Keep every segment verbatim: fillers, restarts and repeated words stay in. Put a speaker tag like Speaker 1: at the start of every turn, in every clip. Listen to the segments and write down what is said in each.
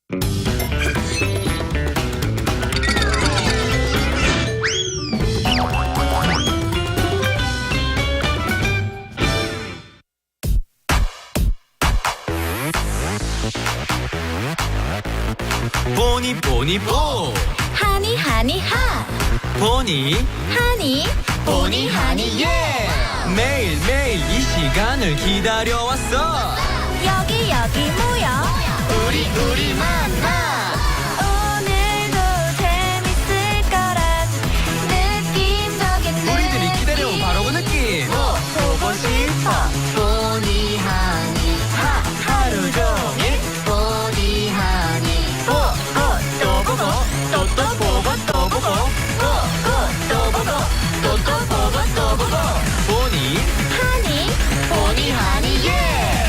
Speaker 1: 보니 보니 보
Speaker 2: 하니 하니 하
Speaker 1: 보니
Speaker 2: 하니 보니 하니 예
Speaker 1: 매일 매일 이 시간을 기다려왔어.
Speaker 2: 여기 여기 모여
Speaker 1: 우리 우리 만나.
Speaker 2: 오늘도 재밌을 거란 느낌적인
Speaker 1: 우리들이 기다려온 바로 그 느낌.
Speaker 2: 보고 싶어 보니 하니 하 하루 종일 보니 하니 보고 또 보고 또 또 보고 또 보고 보고 또 보고 또 또 보고 또 보고
Speaker 1: 보니
Speaker 2: 하니 보니 하니 예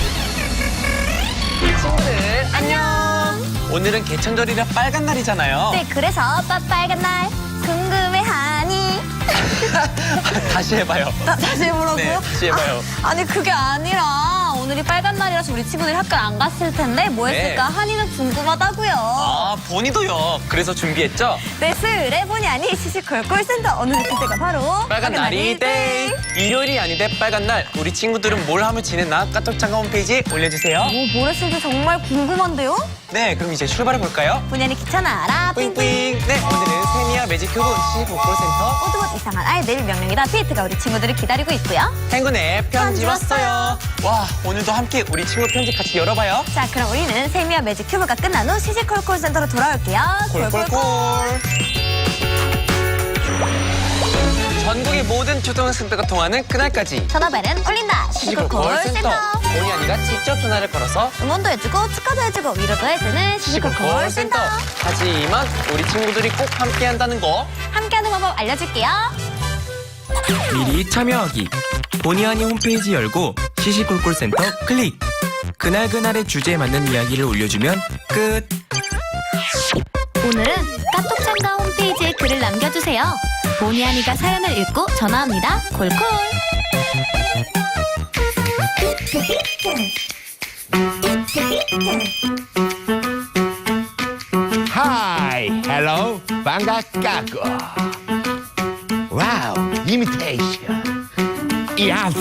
Speaker 1: 친구들 안녕. 오늘은 개천절이라 빨간 날이잖아요.
Speaker 2: 네, 그래서 빨간 날 궁금해하니
Speaker 1: 다시 해봐요.
Speaker 2: 다, 다시 해보라고요?
Speaker 1: 네, 다시 해봐요.
Speaker 2: 아, 아니 그게 아니라 오늘이 빨간 날이라서 우리 친구들이 학교 안 갔을 텐데 뭐
Speaker 1: 네.
Speaker 2: 했을까 한이는 궁금하다고요.
Speaker 1: 아 보니도요. 그래서 준비했죠.
Speaker 2: 네, 수요일에 보니 아니 시시콜 콜센터 오늘 그때가 바로
Speaker 1: 빨간 날이 데이. 일요일이 아닌데 빨간 날. 우리 친구들은 뭘 하며 지냈나? 카톡 참가 홈페이지에 올려주세요.
Speaker 2: 뭐, 뭘 했을지 정말 궁금한데요?
Speaker 1: 네, 그럼 이제 출발해 볼까요?
Speaker 2: 보니 아니 귀찮아라
Speaker 1: 뿌잉뿌잉.
Speaker 2: 삥삥.
Speaker 1: 네, 오늘은 세미야 매직 큐브 시십오 콜센터
Speaker 2: 오두옷 이상한 아이들 명령이다 피트가 우리 친구들을 기다리고 있고요.
Speaker 1: 행군의 편지
Speaker 2: 편지
Speaker 1: 왔어요. 와, 오늘도 함께 우리 친구 편지 같이 열어봐요.
Speaker 2: 자, 그럼 우리는 세미와 매직 큐브가 끝난 후 시시콜 콜센터로 돌아올게요.
Speaker 1: 콜콜콜. 전국의 모든 초등학생들과 통하는 그날까지
Speaker 2: 전화벨은 울린다. 시시콜 콜센터.
Speaker 1: 본의 아니가 직접 전화를 걸어서
Speaker 2: 응원도 해주고 축하도 해주고 위로도 해주는 시시콜 콜센터.
Speaker 1: 하지만 우리 친구들이 꼭 함께한다는 거.
Speaker 2: 함께하는 방법 알려줄게요.
Speaker 3: 미리 참여하기. 본의 아니 홈페이지 열고 시시콜콜센터 클릭. 그날 그날의 주제에 맞는 이야기를 올려주면 끝.
Speaker 2: 오늘은 카톡 참가 홈페이지에 글을 남겨주세요. 보니 아니가 사연을 읽고 전화합니다. 콜콜.
Speaker 4: 하이, 헬로, 반갑다고. 와우, 이미테이션. 야버.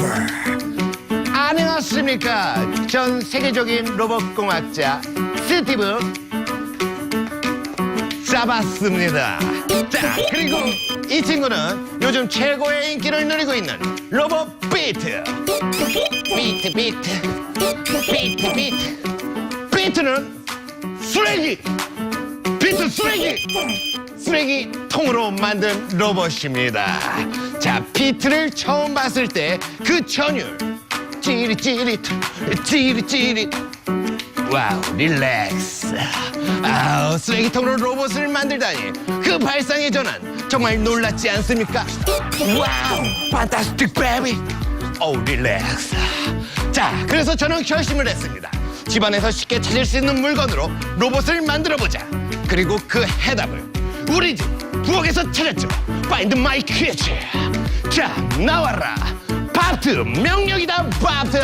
Speaker 4: 안녕하십니까. 전 세계적인 로봇공학자 스티브 잡았습니다. 자, 그리고 이 친구는 요즘 최고의 인기를 누리고 있는 로봇 비트. 비트, 비트. 비트, 비트. 비트는 쓰레기. 비트 쓰레기. 쓰레기 통으로 만든 로봇입니다. 자, 비트를 처음 봤을 때 그 전율. 찌릿찌릿, 찌릿찌릿. 와우, 릴렉스. 아우, 쓰레기통으로 로봇을 만들다니. 그 발상의 전환 정말 놀랐지 않습니까? 와우, 판타스틱 베이비. 오, 릴렉스. 자, 그래서 저는 결심을 했습니다. 집안에서 쉽게 찾을 수 있는 물건으로 로봇을 만들어보자. 그리고 그 해답을 우리 집 부엌에서 찾았죠. Find my kitchen. 자, 나와라. 바트, 명령이다, 바트.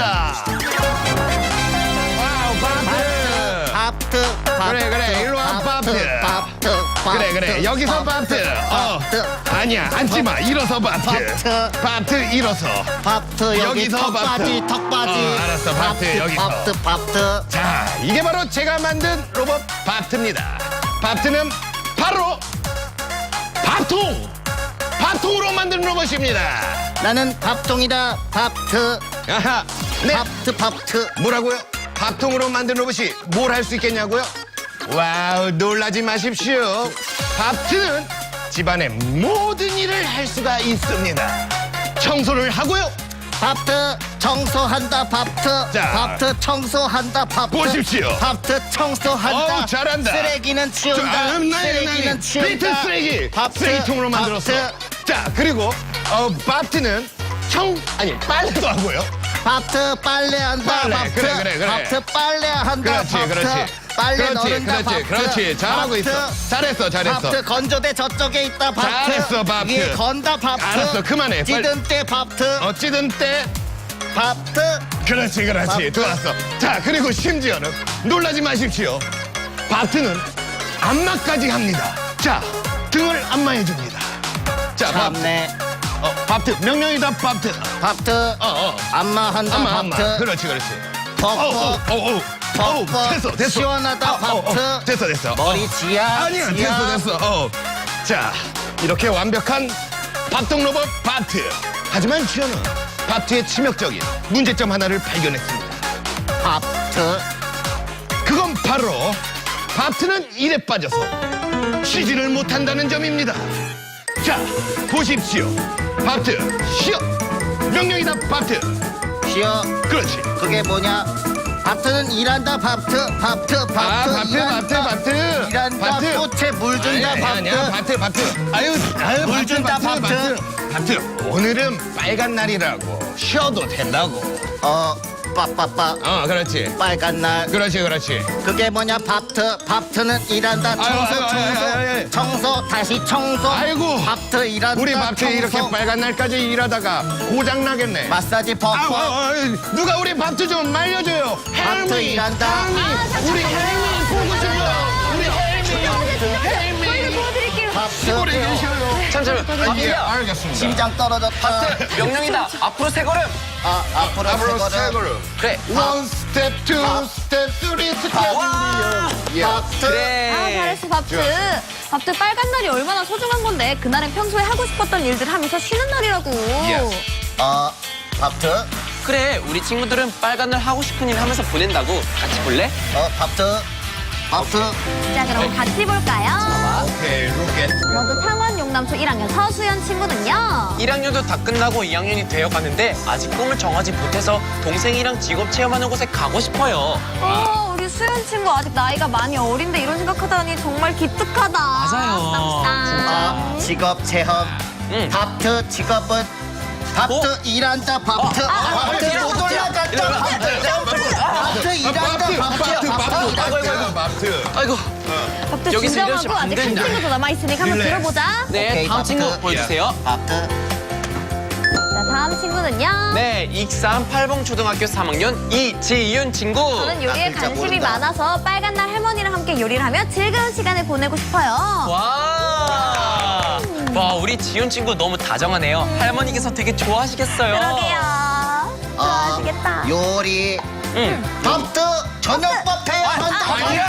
Speaker 4: 와우, 바트.
Speaker 5: 밥트, 밥트,
Speaker 4: 그래, 그래, 일로 와, 밥트.
Speaker 5: 밥트,
Speaker 4: 그래, 그래, 여기서 바트. 어, 아니야, 앉지마. 일어서 바트.
Speaker 5: 바트.
Speaker 4: 바트, 일어서.
Speaker 5: 밥트, 여기
Speaker 4: 여기서
Speaker 5: 턱받이,
Speaker 4: 밥트.
Speaker 5: 턱받이.
Speaker 4: 어, 알았어, 밥트, 여기서.
Speaker 5: 밥트, 밥트.
Speaker 4: 자, 이게 바로 제가 만든 로봇 바트입니다. 바트는 바로 밥통! 밥통으로 만든 로봇입니다.
Speaker 5: 나는 밥통이다, 밥트.
Speaker 4: 아하, 네.
Speaker 5: 밥트, 밥트.
Speaker 4: 뭐라고요? 밥통으로 만든 로봇이 뭘 할 수 있겠냐고요? 와우, 놀라지 마십시오. 밥트는 집안의 모든 일을 할 수가 있습니다. 청소를 하고요.
Speaker 5: 밥트, 청소한다, 밥트.
Speaker 4: 자.
Speaker 5: 밥트, 청소한다, 밥트.
Speaker 4: 보십시오.
Speaker 5: 밥트, 청소한다.
Speaker 4: 어우, 잘한다.
Speaker 5: 쓰레기는 치운다.
Speaker 4: 아, 음, 나이,
Speaker 5: 쓰레기는
Speaker 4: 나이.
Speaker 5: 치운다.
Speaker 4: 비트 쓰레기.
Speaker 5: 밥트,
Speaker 4: 쓰레기통으로 만들었어.
Speaker 5: 밥트.
Speaker 4: 자, 그리고 어, 밥트는 청, 아니, 빨래도 하고요.
Speaker 5: 밥트, 빨래한다,
Speaker 4: 빨래,
Speaker 5: 밥트.
Speaker 4: 그래, 그래, 그래.
Speaker 5: 밥트, 빨래한다,
Speaker 4: 그렇지,
Speaker 5: 밥트.
Speaker 4: 그렇지.
Speaker 5: 빨래
Speaker 4: 그렇지,
Speaker 5: 넣는다,
Speaker 4: 그렇지,
Speaker 5: 밥트.
Speaker 4: 그렇지. 잘하고
Speaker 5: 밥트.
Speaker 4: 있어. 잘했어, 잘했어.
Speaker 5: 밥트, 건조대 저쪽에 있다, 밥트.
Speaker 4: 잘했어, 밥트.
Speaker 5: 위에 건다, 밥트.
Speaker 4: 알았어, 그만해. 빨리.
Speaker 5: 찌든 때, 밥트.
Speaker 4: 어, 찌든 때.
Speaker 5: 밥트.
Speaker 4: 그렇지, 그렇지.
Speaker 5: 밥트.
Speaker 4: 좋았어. 자, 그리고 심지어는 놀라지 마십시오. 밥트는 안마까지 합니다. 자, 등을 안마해줍니다. 자, 밥,
Speaker 5: 참네.
Speaker 4: 어, 밥트, 명령이다, 밥트.
Speaker 5: 밥트.
Speaker 4: 어, 어.
Speaker 5: 안마한다
Speaker 4: 안마, 안마.
Speaker 5: 밥트.
Speaker 4: 그렇지, 그렇지. 어,
Speaker 5: 퍽퍽.
Speaker 4: 어, 어, 어. 어,
Speaker 5: 퍽퍽.
Speaker 4: 됐어, 됐어.
Speaker 5: 시원하다
Speaker 4: 어, 어, 어.
Speaker 5: 밥트.
Speaker 4: 됐어, 됐어.
Speaker 5: 머리 지야.
Speaker 4: 아니야,
Speaker 5: 지야.
Speaker 4: 됐어, 됐어. 어. 자, 이렇게 완벽한 밥통 로봇 밥트. 하지만 쥐어는 밥트의 치명적인 문제점 하나를 발견했습니다.
Speaker 5: 밥트.
Speaker 4: 그건 바로 밥트는 일에 빠져서 쉬지를 못한다는 점입니다. 자, 보십시오. 밥트, 쉬어. 명령이다, 밥트.
Speaker 5: 쉬어.
Speaker 4: 그렇지.
Speaker 5: 그게 뭐냐? 밥트는 일한다 밥트. 밥트. 밥트.
Speaker 4: 아, 밥트,
Speaker 5: 일한다.
Speaker 4: 밥트, 밥트.
Speaker 5: 일한다.
Speaker 4: 밥트.
Speaker 5: 꽃에 물 준다
Speaker 4: 아니야, 아니야,
Speaker 5: 밥트.
Speaker 4: 밥트, 밥트. 아유, 아유,
Speaker 5: 물
Speaker 4: 밥트,
Speaker 5: 준다,
Speaker 4: 밥트,
Speaker 5: 밥트.
Speaker 4: 밥트. 밥트, 오늘은 빨간 날이라고 쉬어도 된다고.
Speaker 5: 어, 빠빠빠.
Speaker 4: 어, 그렇지.
Speaker 5: 빨간 날.
Speaker 4: 그렇지, 그렇지.
Speaker 5: 그게 뭐냐? 밥트. 밥트는 일한다. 청소,
Speaker 4: 아유, 아유,
Speaker 5: 청소.
Speaker 4: 아유, 아유, 아유.
Speaker 5: 청소, 다시 청소.
Speaker 4: 아이고.
Speaker 5: 밥트 일한다.
Speaker 4: 우리 밥트
Speaker 5: 청소.
Speaker 4: 이렇게 빨간 날까지 일하다가 고장 나겠네.
Speaker 5: 마사지
Speaker 4: 아우,
Speaker 5: 퍽퍽.
Speaker 4: 아우, 아우, 누가 우리 밥트 좀 말려줘요.
Speaker 5: 밥트
Speaker 4: 헬미,
Speaker 5: 일한다.
Speaker 4: 헬미, 우리 헬미 보고 싶어요. 우리 헬미, 헬미.
Speaker 2: 도와드릴게요.
Speaker 5: 밥트.
Speaker 4: 오래 계셔요.
Speaker 1: 잠시만.
Speaker 4: 예,
Speaker 1: 밥트야.
Speaker 4: 알겠습니다.
Speaker 5: 심장 떨어졌다.
Speaker 1: 명령이다. 앞으로 세 걸음.
Speaker 5: 아, 앞으로
Speaker 4: 앞으로
Speaker 5: 세
Speaker 4: 세
Speaker 5: 걸음.
Speaker 4: 걸음.
Speaker 1: 그래.
Speaker 4: 원 스텝, 투 스텝, 쓰리 스텝.
Speaker 1: 와.
Speaker 4: 예.
Speaker 5: 밥트.
Speaker 1: 그래.
Speaker 2: 아, 잘했어, 밥트. 밥트 빨간 날이 얼마나 소중한 건데 그날은 평소에 하고 싶었던 일들 하면서 쉬는 날이라고.
Speaker 4: Yes.
Speaker 5: 어, 밥트.
Speaker 1: 그래. 우리 친구들은 빨간 날 하고 싶은 일 하면서 보낸다고. 같이 볼래?
Speaker 5: 어, 밥트. 밥트.
Speaker 2: 자, 그럼 같이 볼까요?
Speaker 4: 오케이, 로켓.
Speaker 2: 먼저 창원 용남초 일 학년 서수연 친구는요.
Speaker 1: 일 학년도 다 끝나고 이 학년이 되어가는데 아직 꿈을 정하지 못해서 동생이랑 직업 체험하는 곳에 가고 싶어요.
Speaker 2: 어, 우리 수연 친구 아직 나이가 많이 어린데 이런 생각하다니 정말 기특하다.
Speaker 1: 맞아요.
Speaker 2: 땀땀.
Speaker 5: 어, 직업 체험.
Speaker 1: 응.
Speaker 5: 밥트 직업은 밥트
Speaker 1: 어?
Speaker 5: 일한다 밥트.
Speaker 1: 어, 아, 아,
Speaker 5: 밥트
Speaker 1: 밥트,
Speaker 5: 못
Speaker 1: 밥트.
Speaker 5: 올라갔다
Speaker 1: 이리 와.
Speaker 5: 밥트. 밥트 일한다
Speaker 4: 밥트,
Speaker 5: 밥트.
Speaker 4: 밥트, 밥트,
Speaker 1: 아이고, 아이고, 아이고.
Speaker 4: 밥트.
Speaker 1: 아이고.
Speaker 2: 밥트
Speaker 1: 여기서
Speaker 2: 진정하고
Speaker 1: 이러시면 안
Speaker 2: 아직 한
Speaker 1: 됩니다.
Speaker 2: 친구도 남아있으니까 한번
Speaker 4: 릴렉스.
Speaker 2: 들어보자.
Speaker 1: 네,
Speaker 5: 오케이,
Speaker 1: 다음
Speaker 5: 밥트.
Speaker 1: 친구 보여주세요.
Speaker 5: 밥트.
Speaker 2: 자, 다음 친구는요.
Speaker 1: 네, 익산 팔봉 초등학교 삼 학년 이지윤 친구.
Speaker 2: 저는 요리에
Speaker 5: 아, 진짜
Speaker 2: 관심이
Speaker 5: 모른다.
Speaker 2: 많아서 빨간 날 할머니랑 함께 요리를 하며 즐거운 시간을 보내고 싶어요.
Speaker 1: 와, 와, 우리 지윤 친구 너무 다정하네요. 할머니께서 되게 좋아하시겠어요.
Speaker 2: 그러게요. 좋아하시겠다.
Speaker 5: 어, 요리.
Speaker 1: 응.
Speaker 5: 밥트 저녁밥 해야 한다.
Speaker 4: 아니야.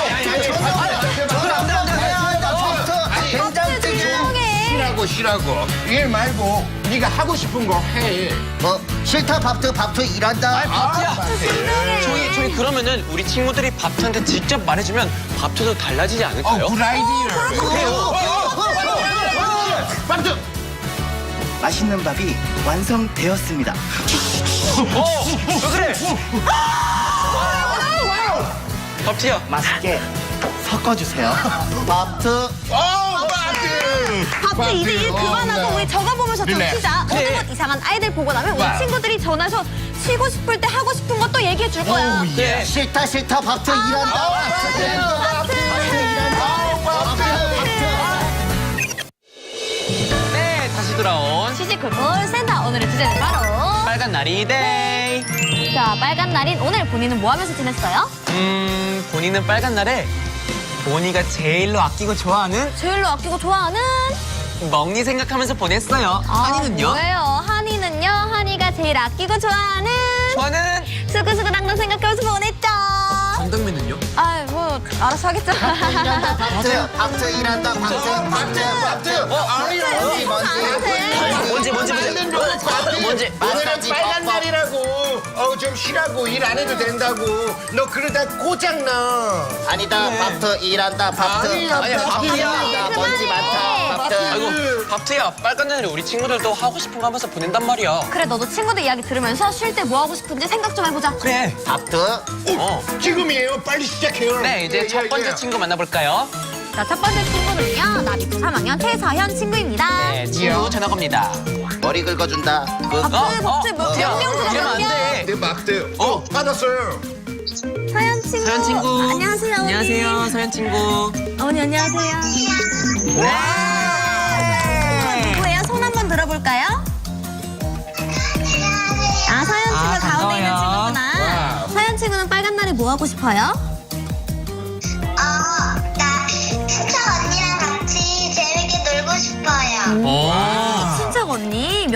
Speaker 5: 저녁밥 해야 한다. 밥트. 된장찌개.
Speaker 2: 조용해.
Speaker 4: 쉬라고, 쉬라고. 일 말고 네가 하고 싶은 거 해.
Speaker 5: 뭐 싫다 밥트 밥트 일한다.
Speaker 1: 밥트야.
Speaker 2: 조용해.
Speaker 1: 저희, 저희 그러면은 우리 친구들이 밥트한테 직접 말해주면 밥트도 달라지지 않을까요?
Speaker 4: 어, 굿 아이디어.
Speaker 1: 그래요.
Speaker 4: 밥트.
Speaker 6: 맛있는 밥이 완성되었습니다.
Speaker 1: 어, 왜 그래? 밥트야.
Speaker 6: 맛있게 섞어주세요.
Speaker 5: 밥트.
Speaker 4: 어, 밥트.
Speaker 2: 밥트 이제 일 그만하고
Speaker 4: 어,
Speaker 2: 우리 적어보면서 좀
Speaker 4: 릴렉스.
Speaker 2: 쉬자.
Speaker 1: 그래.
Speaker 2: 어느 것 이상한 아이들 보고 나면 우리
Speaker 4: 와우.
Speaker 2: 친구들이 전화해서 쉬고 싶을 때 하고 싶은 것도 얘기해 줄 거야.
Speaker 4: 오,
Speaker 1: 네.
Speaker 5: 싫다 싫다 밥트 일한다. 밥트 일한다. 밥트.
Speaker 1: 네, 다시 돌아온
Speaker 2: 시시콜콜 센터 오늘의 주제는 바로
Speaker 1: 빨간 날이 데이.
Speaker 2: 자 빨간 날인 오늘 본인은 뭐 하면서 지냈어요?
Speaker 1: 음, 본인은 빨간 날에 본이가 제일로 아끼고 좋아하는
Speaker 2: 제일로 아끼고 좋아하는
Speaker 1: 먹니 생각하면서 보냈어요.
Speaker 2: 아,
Speaker 1: 한이는요?
Speaker 2: 뭐예요? 한이는요? 한이가 제일 아끼고 좋아하는
Speaker 1: 저는
Speaker 2: 수구수구당당 생각하면서 보냈죠.
Speaker 1: 정당면은요?
Speaker 2: 아, 뭐 알아서 하겠죠.
Speaker 5: 일한다 밥트. 밥트 일한다 밥트. 밥트. 밥트. 뭔지 뭔지.
Speaker 1: 뭔지 뭔지 뭔지 뭔지
Speaker 5: 마사지
Speaker 4: 빨간
Speaker 5: 뻑뻑.
Speaker 4: 날이라고. 어, 좀 쉬라고. 일 안 해도 된다고. 너 그러다 고장 나.
Speaker 5: 아니다 밥트 일한다 밥트.
Speaker 4: 아니야,
Speaker 1: 아니야, 밥트야.
Speaker 5: 일한다, 먼지 많다 밥트.
Speaker 1: 아이고 밥트야 빨간 날에 우리 친구들도 하고 싶은 거 하면서 보낸단 말이야.
Speaker 2: 그래, 너도 친구들 이야기 들으면서 쉴 때 뭐 하고 싶은지 생각 좀 해보자.
Speaker 1: 그래.
Speaker 5: 밥트.
Speaker 1: 어.
Speaker 4: 지금이에요. 빨리 시작해요.
Speaker 1: 네, 이제
Speaker 4: 예,
Speaker 1: 첫
Speaker 4: 예,
Speaker 1: 번째
Speaker 4: 예.
Speaker 1: 친구 만나볼까요?
Speaker 2: 자, 첫 번째 친구는요. 나비초 삼 학년 최서현 친구입니다.
Speaker 1: 네, 친구 전화 겁니다.
Speaker 5: 머리 긁어준다. 그
Speaker 2: 밥트, 밥트, 뭐
Speaker 1: 야,
Speaker 2: 명령 들어,
Speaker 1: 이러면 안
Speaker 2: 명령.
Speaker 1: 돼.
Speaker 4: 네, 막대.
Speaker 1: 어.
Speaker 4: 어, 받았어요.
Speaker 2: 서현 친구.
Speaker 1: 서현 친구.
Speaker 2: 안녕하세요, 어머니.
Speaker 1: 안녕하세요, 서현 친구.
Speaker 2: 어머니, 안녕하세요.
Speaker 1: 네.
Speaker 2: 누구예요? 손 한번 들어볼까요? 아, 서현 친구
Speaker 1: 아,
Speaker 2: 가운데 있는
Speaker 1: 반가워요.
Speaker 2: 친구구나. 서현 친구는 빨간 날에 뭐 하고 싶어요?
Speaker 7: 어,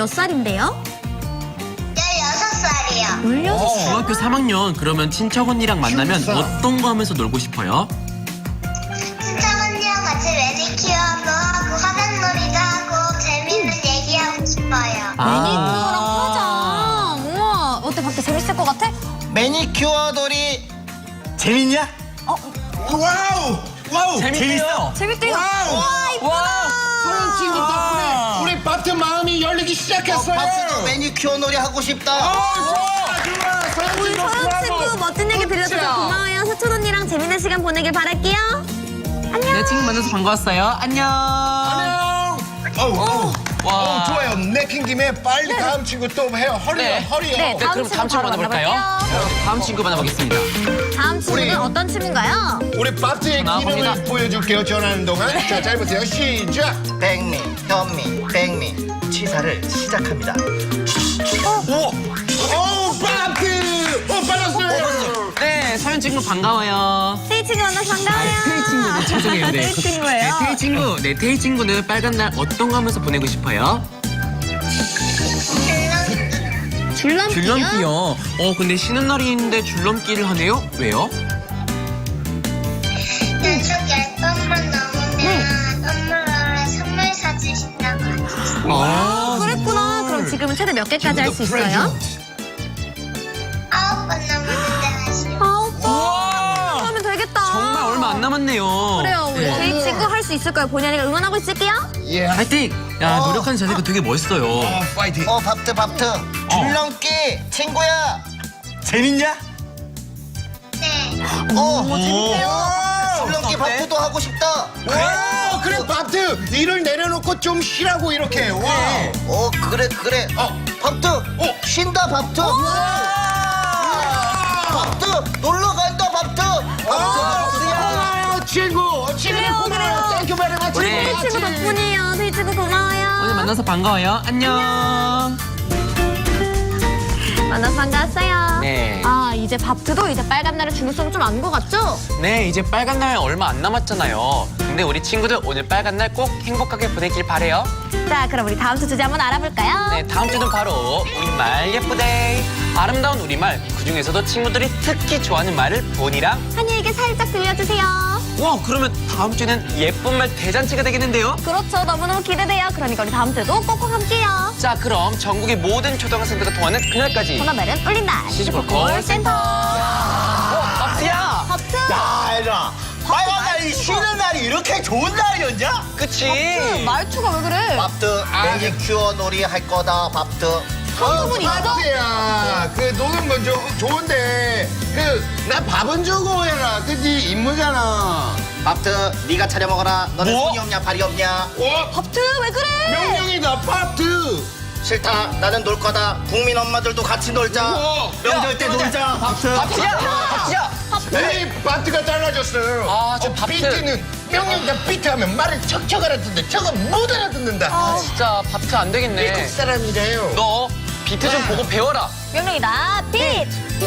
Speaker 2: 몇 살인데요?
Speaker 7: 열여섯 살이요.
Speaker 2: 열여섯 살.
Speaker 1: 중학교 삼 학년. 그러면 친척 언니랑 만나면
Speaker 4: 진짜?
Speaker 1: 어떤 거 하면서 놀고 싶어요?
Speaker 7: 친척 언니랑 같이 매니큐어도 하고 화장놀이도 하고 재밌는 얘기하고 싶어요.
Speaker 2: 매니큐어랑 화장. 우와, 어때? 밖에 재밌을 것 같아?
Speaker 5: 매니큐어 놀이 재밌냐?
Speaker 4: 와우! 와우!
Speaker 1: 재밌어요.
Speaker 2: 재밌대요.
Speaker 4: 소연 친구 덕분에 우리 밥트 마음이 열리기 시작했어요.
Speaker 5: 밥트도 매니큐어 놀이 하고 싶다.
Speaker 2: 우리 서영 친구 멋진 얘기 들려줘서 고마워요. 서촌 언니랑 재밌는 시간 보내길 바랄게요.
Speaker 1: 네, 친구 만나서 반가웠어요. 안녕.
Speaker 4: 안녕. 어우, 어우.
Speaker 1: 와.
Speaker 4: 어, 좋아요. 내킨 김에 빨리 다음 친구 또 해요. 허리요,
Speaker 1: 네.
Speaker 4: 허리요.
Speaker 2: 네,
Speaker 1: 네, 그럼 다음 친구
Speaker 2: 바로
Speaker 1: 만나볼까요?
Speaker 2: 만나볼게요.
Speaker 1: 다음 친구 만나보겠습니다.
Speaker 2: 다음 친구는
Speaker 4: 우리-
Speaker 2: 어떤 친구인가요?
Speaker 4: 우리 밥트의
Speaker 1: 나와봅니다.
Speaker 4: 기능을 보여줄게요. 전하는 동안. 자, 잘 보세요. 시작.
Speaker 5: 백미, 현미, 백미 치사를 시작합니다.
Speaker 4: 오, 밥트! 오, 빨랐어요.
Speaker 1: 네, 서현 친구 반가워요.
Speaker 2: 테이 친구 만나서 반가워요.
Speaker 1: 테이 친구, 죄송해요. 네.
Speaker 2: 테이 친구예요.
Speaker 1: 네, 테이 친구. 네, 테이 친구는 빨간 날 어떤 거 하면서 보내고 싶어요?
Speaker 2: 줄넘기요?
Speaker 1: 줄넘기요. 어, 근데 쉬는 날인데 줄넘기를 하네요? 왜요?
Speaker 7: 연속 열 번만 넘으면 선물로 선물 사주신다고 하셨어요.
Speaker 1: 아,
Speaker 2: 그랬구나. 그럼 지금은 최대 몇 개까지 할 수 있어요?
Speaker 7: 아홉 번 넘었는데 하시오.
Speaker 2: 아홉 번.
Speaker 1: 우와!
Speaker 2: 하면 되겠다.
Speaker 1: 정말 얼마 안 남았네요.
Speaker 2: 그래요. 우리 테이 친구 할 수 있을 거예요. 본의 아니가 응원하고 있을게요.
Speaker 4: 예.
Speaker 1: 파이팅! 야,
Speaker 5: 어.
Speaker 1: 노력하는 자세가 되게 멋있어요.
Speaker 4: 어, 파이팅.
Speaker 5: 어, 밥트, 밥트. 줄넘기 친구야. 재밌냐?
Speaker 7: 네.
Speaker 5: 어,
Speaker 2: 재밌대요.
Speaker 5: 줄넘기 밥트도 하고 싶다.
Speaker 4: 와, 그래, 밥트. 일을 내려놓고 좀 쉬라고 이렇게. 와.
Speaker 5: 어, 그래, 그래.
Speaker 4: 어.
Speaker 5: 밥트.
Speaker 4: 어.
Speaker 5: 쉰다, 밥트. 밥트. 놀러 간다, 밥트. 밥트, 밥트야.
Speaker 4: 아, 친구. 친구
Speaker 2: 그래요,
Speaker 4: 고마워요.
Speaker 2: 그래요.
Speaker 4: 땡큐 베리 마치.
Speaker 1: 우리
Speaker 2: 테이 친구 덕분이에요. 테이 친구 고마워요.
Speaker 1: 오늘 만나서 반가워요. 안녕.
Speaker 2: 만나서 반가웠어요.
Speaker 1: 네.
Speaker 2: 아, 이제 밥트도 이제 빨간 날의 중요성을 좀 아는 것 같죠?
Speaker 1: 네, 이제 빨간 날 얼마 안 남았잖아요. 근데 우리 친구들 오늘 빨간 날 꼭 행복하게 보내길 바래요.
Speaker 2: 자, 그럼 우리 다음 주 주제 한번 알아볼까요?
Speaker 1: 네, 다음 주는 바로 우리말 예쁘데이. 아름다운 우리말, 그중에서도 친구들이 특히 좋아하는 말을 본이랑
Speaker 2: 한이에게 살짝 들려주세요.
Speaker 1: 와, 그러면 다음 주는 예쁜 말 대잔치가 되겠는데요?
Speaker 2: 그렇죠. 너무너무 기대돼요. 그러니까 우리 다음 주에도 꼭꼭 함께요.
Speaker 1: 자, 그럼 전국의 모든 초등학생들과 통하는 그날까지
Speaker 2: 전화벨은 울린다.
Speaker 1: 시즈볼콜
Speaker 2: 센터.
Speaker 1: 어, 밥트야!
Speaker 2: 밥트.
Speaker 5: 야, 얘들아. 빨간 날이 쉬는 날이 이렇게 좋은 날이었냐?
Speaker 1: 그치?
Speaker 2: 그 말투가 왜 그래?
Speaker 5: 밥트, 매니큐어 놀이 할 거다, 밥트.
Speaker 2: 한두분 있어?
Speaker 4: 밥트야. 그 노는 건 조, 좋은데 그 나 밥은 주고 해라. 그네 임무잖아.
Speaker 5: 밥트, 네가 차려 먹어라. 너는
Speaker 1: 뭐?
Speaker 5: 손이 없냐, 발이 없냐?
Speaker 4: 어?
Speaker 2: 밥트 왜 그래?
Speaker 4: 명령이다. 밥트.
Speaker 5: 싫다. 나는 놀 거다. 국민 엄마들도 같이 놀자.
Speaker 4: 우와.
Speaker 5: 명절 때 놀자. 밥트.
Speaker 1: 밥트야! 밥트야!
Speaker 4: 우리 밥트가 잘라줬어요.
Speaker 1: 아, 저
Speaker 4: 어,
Speaker 1: 밥트.
Speaker 4: 비트는 명령이다. 비트 하면 말을 척척 알아듣는데 저거 못 알아듣는다.
Speaker 1: 아, 진짜 밥트 안 되겠네.
Speaker 4: 미국 사람이래요.
Speaker 1: 너 비트 좀 보고 배워라.
Speaker 2: 명령이다. 빛.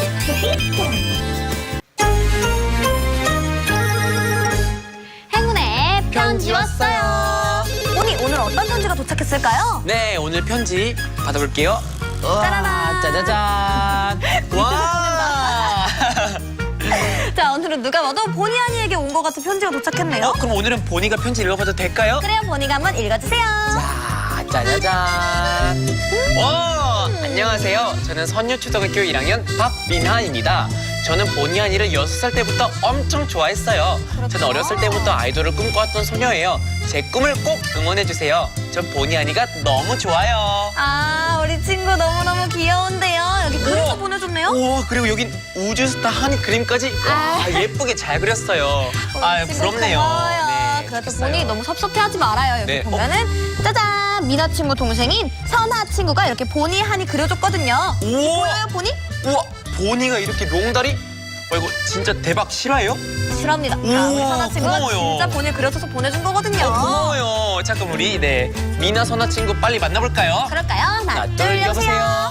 Speaker 2: 행운의 편지 왔어요. 오니 오늘 어떤 편지가 도착했을까요?
Speaker 1: 네, 오늘 편지 받아볼게요.
Speaker 2: 짜라란.
Speaker 1: 짜자잔. 와.
Speaker 2: 자, 오늘은 누가 봐도 보니 아니에게 온 것 같은 편지가 도착했네요.
Speaker 1: 어, 그럼 오늘은 보니가 편지 읽어봐도 될까요?
Speaker 2: 그래요, 보니가 한번 읽어주세요.
Speaker 1: 자, 짜자잔. 와, 안녕하세요. 저는 선유초등학교 일 학년 박민하입니다. 저는 보니 아니를 여섯 살 때부터 엄청 좋아했어요. 저는 어렸을 때부터 아이돌을 꿈꿔왔던 소녀예요. 제 꿈을 꼭 응원해주세요. 전 보니 아니가 너무 좋아요.
Speaker 2: 아, 우리 친구 너무너무 귀여운데요. 여기 그림도
Speaker 1: 우와.
Speaker 2: 보내줬네요.
Speaker 1: 우와, 그리고 여긴 우주스타 한 그림까지 와,
Speaker 2: 아.
Speaker 1: 예쁘게 잘 그렸어요. 아,
Speaker 2: 우리 친구
Speaker 1: 부럽네요.
Speaker 2: 고마워요.
Speaker 1: 네,
Speaker 2: 그래도
Speaker 1: 됐어요.
Speaker 2: 보니 너무 섭섭해하지 말아요. 여기
Speaker 1: 네, 어?
Speaker 2: 보면은 짜잔, 미나 친구 동생인 선아 친구가 이렇게 보니 한이 그려줬거든요.
Speaker 1: 우와.
Speaker 2: 보여요, 보니?
Speaker 1: 우와, 보니가 이렇게 롱다리? 어, 이거 진짜 대박 실화예요?
Speaker 2: 실합니다. 자, 우리
Speaker 1: 우와,
Speaker 2: 선아 친구가
Speaker 1: 고마워요.
Speaker 2: 진짜 보니 그려줘서 보내준 거거든요.
Speaker 1: 어, 고마워요. 자, 그럼 우리 네 미나 선아 친구 빨리 만나볼까요?
Speaker 2: 그럴까요? 하나,
Speaker 1: 하나,
Speaker 2: 둘,
Speaker 1: 둘,
Speaker 2: 여보세요.
Speaker 1: 여보세요.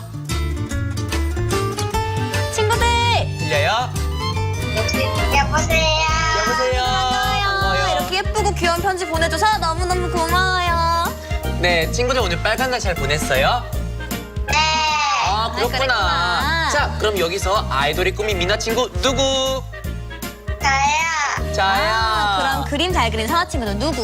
Speaker 2: 친구들.
Speaker 1: 들려요?
Speaker 7: 여보세요.
Speaker 1: 여보세요.
Speaker 2: 반가워요. 이렇게 예쁘고 귀여운 편지 보내줘서 너무너무 고마워요.
Speaker 1: 네, 친구들 오늘 빨간 날 잘 보냈어요? 그렇구나.
Speaker 2: 그랬구나.
Speaker 1: 자, 그럼 여기서 아이돌의 꿈인 미나 친구 누구?
Speaker 7: 저요.
Speaker 1: 자야.
Speaker 2: 아, 그럼 그림 잘 그린 선아 친구는 누구?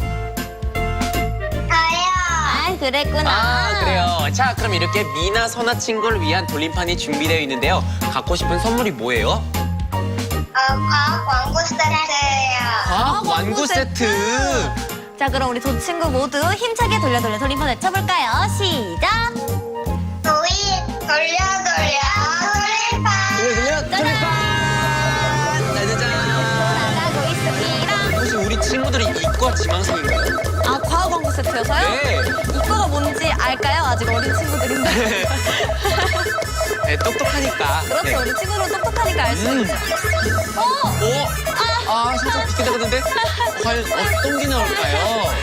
Speaker 7: 저요.
Speaker 2: 아, 그랬구나.
Speaker 1: 아, 그래요. 자, 그럼 이렇게 미나 선아 친구를 위한 돌림판이 준비되어 있는데요. 갖고 싶은 선물이 뭐예요?
Speaker 7: 어, 과학 왕구 세트예요.
Speaker 1: 과학 완구 세트.
Speaker 2: 자, 그럼 우리 두 친구 모두 힘차게 돌려 돌려 돌림판 외쳐볼까요? 시작!
Speaker 7: 도이 돌려 돌려 돌림판.
Speaker 1: 돌려 돌려 돌림판. 짜자잔.
Speaker 2: 나가고 있습니다.
Speaker 1: 혹시 우리 친구들이 이과 지망생인가요?
Speaker 2: 아, 과학 왕구 세트여서요?
Speaker 1: 네.
Speaker 2: 이거가 뭔지 알까요? 아직 어린 친구들인데.
Speaker 1: 네, 똑똑하니까.
Speaker 2: 그렇죠.
Speaker 1: 네.
Speaker 2: 우리 친구들은 똑똑하니까 알 수
Speaker 1: 음.
Speaker 2: 있죠. 어!
Speaker 1: 오! 아, 살짝 비슷하던데? 과연 어떤 게 나올까요?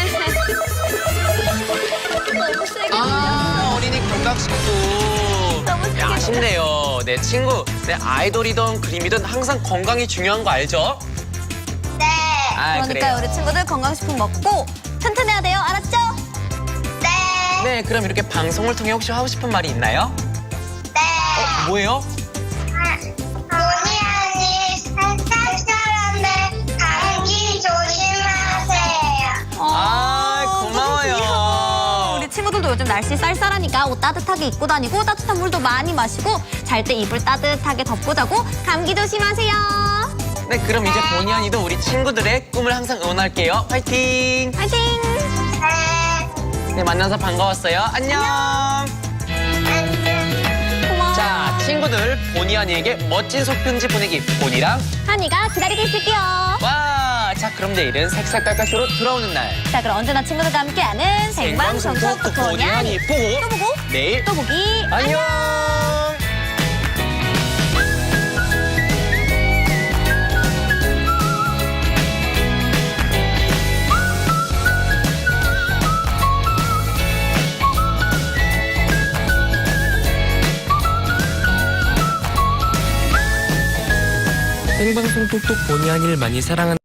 Speaker 2: 너무 세게
Speaker 1: 아, 어린이 건강식품.
Speaker 2: 너무 세게
Speaker 1: 야, 아쉽네요. 네, 친구. 네, 아이돌이든 그림이든 항상 건강이 중요한 거 알죠?
Speaker 7: 네.
Speaker 1: 아,
Speaker 2: 그러니까
Speaker 1: 그래요.
Speaker 2: 우리 친구들 건강식품 먹고 튼튼해야 돼요. 알았죠?
Speaker 7: 네.
Speaker 1: 네, 그럼 이렇게 방송을 통해 혹시 하고 싶은 말이 있나요?
Speaker 7: 네.
Speaker 1: 어, 뭐예요?
Speaker 7: 본의 아니 쌀쌀한데 감기 조심하세요.
Speaker 1: 아, 고마워요.
Speaker 2: 어, 우리 친구들도 요즘 날씨 쌀쌀하니까 옷 따뜻하게 입고 다니고 따뜻한 물도 많이 마시고 잘 때 이불 따뜻하게 덮고 자고 감기 조심하세요.
Speaker 1: 네, 그럼 이제 본의 아니도 우리 친구들의 꿈을 항상 응원할게요. 화이팅!
Speaker 2: 파이팅!
Speaker 7: 네.
Speaker 1: 네, 만나서 반가웠어요. 안녕!
Speaker 2: 고마워.
Speaker 1: 자, 친구들, 본의 아니에게 멋진 속편지 보내기. 본이랑
Speaker 2: 한이가 기다리고 있을게요.
Speaker 1: 와! 자, 그럼 내일은 색색깔깔쇼로 돌아오는 날.
Speaker 2: 자, 그럼 언제나 친구들과 함께하는 생방송 토크 본의 아니
Speaker 1: 보고
Speaker 2: 또 보고
Speaker 1: 내일
Speaker 2: 또 보기
Speaker 1: 안녕!
Speaker 3: 생방송 톡톡 본의 아니를 많이 사랑하는